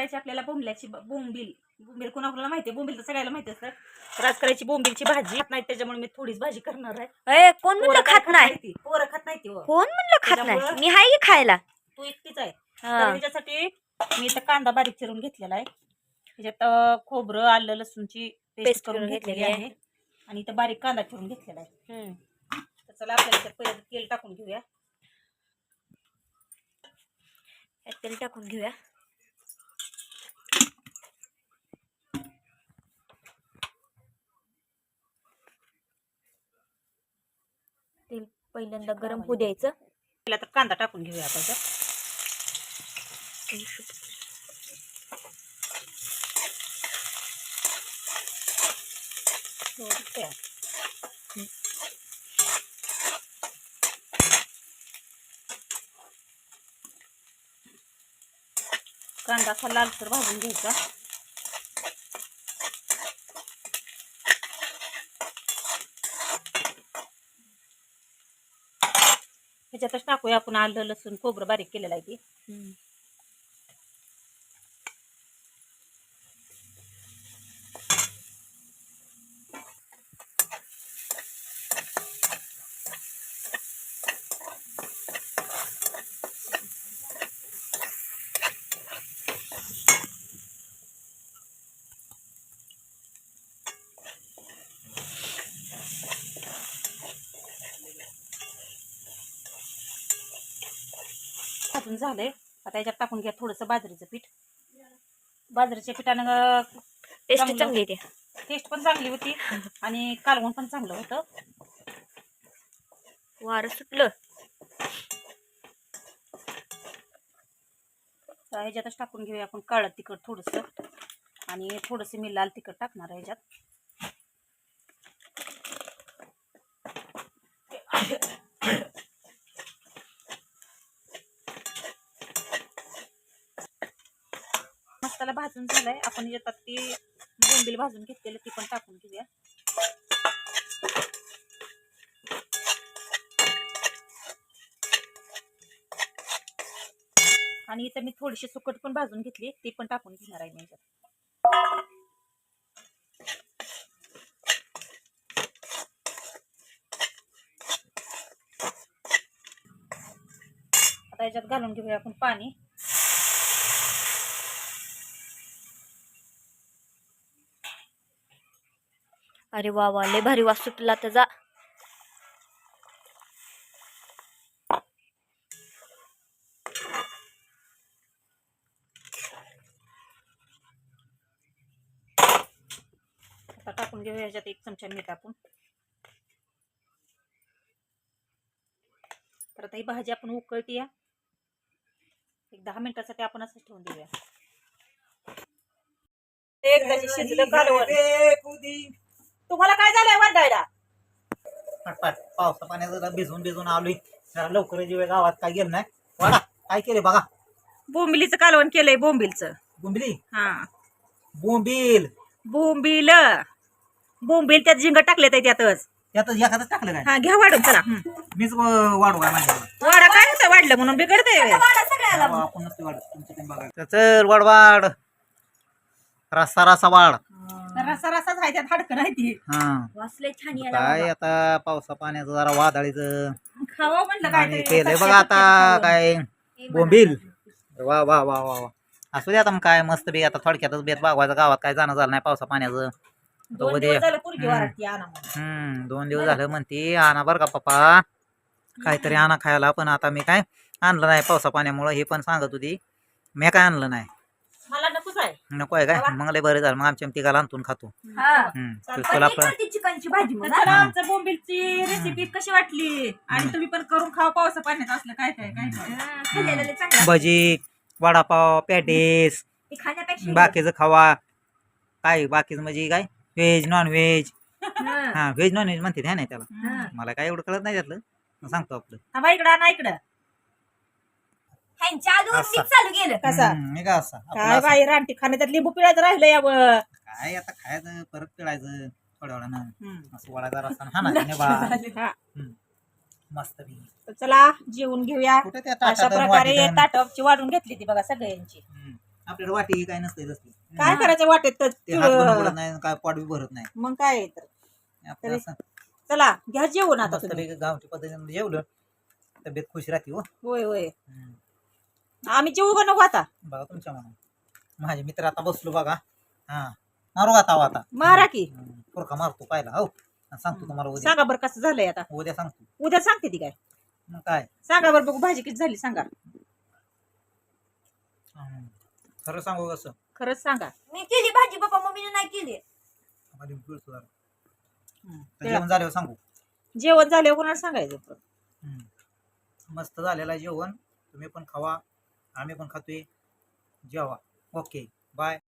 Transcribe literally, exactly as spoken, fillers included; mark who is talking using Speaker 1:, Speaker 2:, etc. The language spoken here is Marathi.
Speaker 1: करायची आपल्याला बोंबल्याची बोंबील बोंबील कोणाकोणाला माहिती आहे, बोंबील तर सगळ्याला माहिती असतं. तर आज करायची बोंबीलची भाजी. खात नाही त्याच्यामुळे मी थोडीच भाजी करणार आहे.
Speaker 2: ए कोण म्हणलं खात नाही?
Speaker 1: पोरं खात नाही ती.
Speaker 2: कोण म्हणलं खात नाही? मी हाय की खायला.
Speaker 1: तू एकटीच आहे.
Speaker 2: हा.
Speaker 1: तर त्याच्यासाठी मी इथं कांदा बारीक चिरून घेतलेला आहे. त्याच्यात खोबरं आलं लसूणची पेस्ट करून घेतलेली आहे आणि इथं बारीक कांदा चिरून घेतलेला आहे. तर चला आपल्याला त्यात पहिलं तेल टाकून घेऊया.
Speaker 2: तेल टाकून घेऊया. तेल पहिल्यांदा गरम होऊ द्यायचं.
Speaker 1: पहिला तर कांदा टाकून घेऊया आपण. कांदा असा लालसर भाजून घ्यायचा. ह्याच्यातच टाकूया आपण आलं लसूण खोबरं बारीक केलेलं आहे ते. भाजून झालंय. आता याच्यात टाकून घ्या थोडंसं बाजरीचं पीठ. बाजरीच्या पिठानं
Speaker 2: टेस्ट चांगली येते.
Speaker 1: टेस्ट पण चांगली होती आणि कालवण पण चांगलं होतं.
Speaker 2: वारं सुटलं.
Speaker 1: तर ह्याच्यातच टाकून घेऊया आपण काळं तिखट थोडंसं आणि थोडंसं मी लाल तिखट टाकणार आहे ह्याच्यात. मसाला भाजून झालाय. आपण याच्यात ती बोंबील भाजून घेतलेलं ती पण टाकून घेऊया. आणि इथं मी थोडीशी सुकट पण भाजून घेतली ती पण टाकून घेणार आहे मी याच्यात. आता याच्यात घालून घेऊया आपण पाणी.
Speaker 2: अरे वा वा लय भारी वास सुटला त्याचा.
Speaker 1: आता टाकून घेऊया ह्याच्यात एक चमचा मीठ आपण. तर आता ही भाजी आपण उकळती या एक दहा मिनिटासाठी आपण असं ठेवून देऊया. एकदा शिजलं कालवण. तुम्हाला काय झालंय वाटायला?
Speaker 3: पटपट पावसा पाण्याचं भिजून भिजून आलोय. जरा लवकर जीव गावात काय गेलं नाही. वाडा काय केले बघा.
Speaker 1: बोंबिलीचं कालवण केलंय. बोंबिलचं
Speaker 3: बोंबिली.
Speaker 1: हा
Speaker 3: बोंबील
Speaker 1: बोंबिल बोंबिल त्यात झिंग टाकले त्यातच.
Speaker 3: त्यातच एखादं टाकलं काय?
Speaker 1: हा घ्या वाढून चला.
Speaker 3: मीच वाढू काय माझ्या
Speaker 1: वाडा काय होतं वाढलं म्हणून बिघडतंय.
Speaker 3: आपण नसते वाढ तुमचं बघा. चल वाढ वाढ रस्सा रस्सा वाढ.
Speaker 1: रसा रसाच आहे त्यात हाडकं नाही ती.
Speaker 3: हा
Speaker 2: वासले छान
Speaker 3: काय आता पावसा पाण्याचं जरा वादळीचं
Speaker 1: खावा म्हणलं काय
Speaker 3: केलंय बघा. आता काय बोंबील. वा वा वा वा वा असू दे आता मग काय मस्त बी. आता थोडक्यातच बेत बागवायचं गावात काय जाणं झालं नाही पावसा पाण्याचं.
Speaker 1: दोन दिवस झालं पोरगी वारती आणा म्हणून.
Speaker 3: हम्म दोन दिवस झालं म्हणते आणा बरं का पप्पा काहीतरी आणा खायला. पण आता मी काय आणलं नाही पावसा पाण्यामुळं. हे पण सांगत होती मी काय आणलं नाही.
Speaker 1: मला नकोच आहे.
Speaker 3: नको आहे काय? मग लय बरं झालं. मग आमच्या तिघाला आणतून खातो. हम्म तुला पण
Speaker 2: चिकनची भाजी.
Speaker 1: चला आमचं बोंबिलची रेसिपी कशी वाटली आणि तुम्ही पण करून खावा पावसा पाण्यात असलं काय काय काय काय.
Speaker 3: भजी वडापाव पॅटीस
Speaker 2: खाण्यापेक्षा
Speaker 3: बाकीचं खावा. काय बाकीचं म्हणजे काय व्हेज नॉन व्हेज. हा व्हेज नॉन व्हेज म्हणते नाही त्याला. मला काय एवढं कळत नाही त्यातलं. सांगतो आपलं.
Speaker 1: थांबा इकडं ना इकडं.
Speaker 2: चालू गेलं
Speaker 1: कसा
Speaker 3: मी का असा
Speaker 1: काय बाई रानटी खाणे त्यात लिंबू पिळायचं राहिलं यावं.
Speaker 3: काय आता खायचं परत पिळायचं थोड्या वेळानं. असं वडाचा रस्ता हा मस्त
Speaker 1: चला जेवून घेऊया.
Speaker 3: कुठे त्या
Speaker 1: अशा प्रकारे ताटाची वाढून घेतली ती बघा सगळ्यांची.
Speaker 3: आपल्याला वाटी काय नसते तसली.
Speaker 1: काय करायचं वाटेत तर
Speaker 3: ते हात पण बुडत नाही काय पोट बी भरत नाही.
Speaker 1: मग काय आहे तर.
Speaker 3: आपलं असं
Speaker 1: चला घ्या जेवण आता तुम्ही.
Speaker 3: मस्तपैकी गावठी पद्धतीने जेवलं तब्येत खुश राहते हो.
Speaker 1: होय होय
Speaker 3: हम्म.
Speaker 1: आम्ही जेवू का नको आता.
Speaker 3: बघा तुमच्या म्हणून माझे मित्र आता बसलो बघा. हा मारू आता हो आता
Speaker 1: मारा की.
Speaker 3: हम्म. पुरखा मारतो पाहिला हो आणि सांगतो तुम्हाला उद्या.
Speaker 1: सांगा बरं कसं झालंय आता.
Speaker 3: उद्या सांगतो.
Speaker 1: उद्या सांगते ती काय.
Speaker 3: मग काय
Speaker 1: सांगा बरं बघू भाजी किती झाली सांगा.
Speaker 3: हम्म. खरं सांगू कसं
Speaker 1: खरंच सांगा.
Speaker 2: मी केली भाजी पप्पा मम्मीने नाही केली.
Speaker 3: आम्हाला बिलकुल सुधार.
Speaker 1: हम्म.
Speaker 3: तर जेवण झाल्यावर सांगू.
Speaker 1: जेवण झाल्यावर कोणाला सांगायचं.
Speaker 3: हम्म. मस्त झालेलं आहे जेवण. तुम्ही पण खावा आम्ही पण खातोय. जेवा. Okay bye.